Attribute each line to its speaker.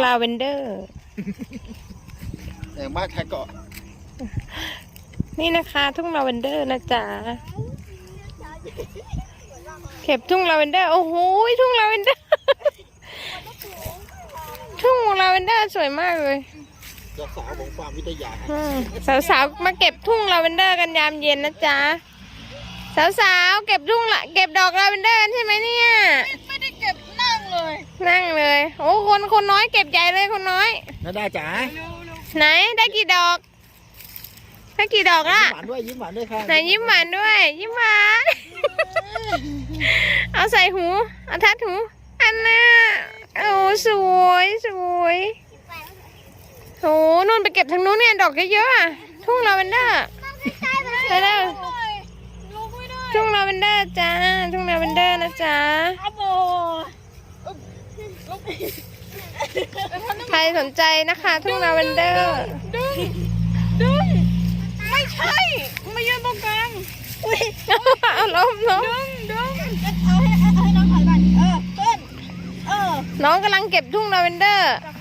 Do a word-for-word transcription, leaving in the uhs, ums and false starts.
Speaker 1: ลาเวนเดอร์
Speaker 2: อย่างบ้านไทยเกาะ
Speaker 1: นี่นะคะทุ่งลาเวนเดอร์นะจ๊ะเก็บทุ่งลาเวนเดอร์โอ้โหทุ่งลาเวนเดอร์ทุ่งลาเวนเดอร์สวยมากเลย
Speaker 2: สาวของฟาร์มวิทยา
Speaker 1: สาวๆมาเก็บทุ่งลาเวนเดอร์กันยามเย็นนะจ๊ะสาวๆเก็บทุ่งละเก็บดอกลาเวนเดอร์ใช่ไหมเนี่ย
Speaker 3: ไม่ได้เก็บนั่งเลย
Speaker 1: นั่งเลยโอ้คนคนน้อยเก็บใหญ่เลยคนน้อย
Speaker 2: น่าได้จ๋า
Speaker 1: ไหนได้กี่ดอกได้กี่ดอกละ
Speaker 2: ยิ้มหวานด้วยยิ้มหวานด้วยค่ะ
Speaker 1: ไหนยิ้มหวานด้วยยิ้มหวานเอาใส่หูเอาทัดหูอันน่ะโอ้สวยสวยโอ้นู่นไปเก็บทางนู้นเนี่ยดอกเยอะๆอ่ะทุ่งลาเวนเดอร์ไปแล้วทุ่งลาเวนเดอร์จ้าทุ่งลาเวนเดอร์นะจ๊ะใครสนใจนะคะทุ่งลาเวนเดอร์
Speaker 3: ดึงดึงไม่ใช่มายืนตรงกลางอุ้ย
Speaker 1: เอาล้มล้ม
Speaker 3: ดึงดึงเอาให้เอาให้น้องถอยก่อนเออต้นเออ
Speaker 1: น้องกำลังเก็บทุ่งลาเวนเดอร์
Speaker 3: จาก